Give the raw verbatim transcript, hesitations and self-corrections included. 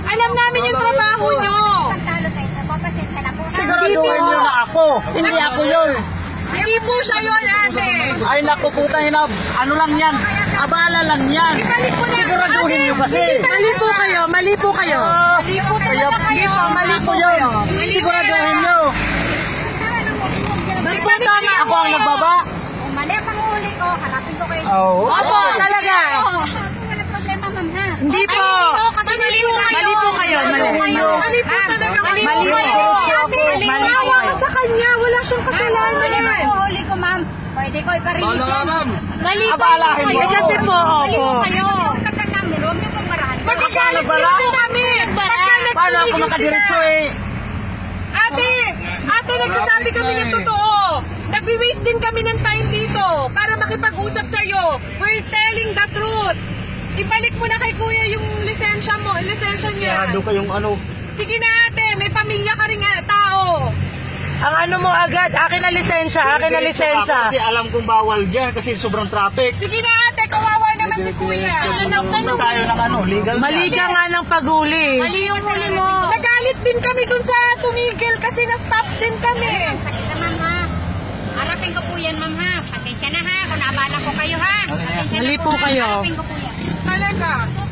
Alam namin yung trabaho nyo. Siguraduhin nyo na ako. Hindi ako yun. Hindi po siya yun, ate. Ay naku puta, hinab. Ano lang yan? Abala lang yan. Siguraduhin nyo kasi. Mali po kayo, mali po kayo. Mali po kayo. Mali po, mali po kayo. Siguraduhin nyo. Doon po tama. Ako ang nagbaba. Mali ang panguhuli ko, hanapin ko kayo. Oo. Opo, talaga. Wala problema, ma'am, ha? Hindi po. Mali po kayo. Mali po kayo. Mali po Mali po talaga. Mali po kayo. Mali po kayo. Sa kanya, wala siyang kasalanan. Mali ang panguhuli ko, ma'am. Pwede ko iparelease yan. Mali po Abalahin mo. Eh, kasi po, Mali po opo. kayo. Sa namin, huwag niyo pong barahan. Magkakalit din po kami. Paano ako makadiretso eh? Ate, ate, nagsasabi kami ng totoo. Nagwi-waste din kami ng time dito para makipag-usap sa'yo. We're telling the truth. Ibalik mo na kay kuya yung lisensya mo, lisensya niya. Sigurado kayong ano. Sige na ate, may pamilya ka rin nga, tao. Ang ano mo agad, akin na lisensya, akin na lisensya. Kasi alam kong bawal dyan kasi sobrang traffic. Sige na ate, kawawa naman si kuya. Tanong tayo ng ano, legal. Mali ka nga ng paguli. Mali yung huli mo. Nagalit din kami dun sa tumigil kasi na-stop din kami. Sakit na, ma'am, ha? Harapin ko po yan, ma'am, ha? Pasensya na, ha? Kung naabala ko kayo, ha? Pasensya na Mali po ha? kayo. Harapin ko po yan. Talaga.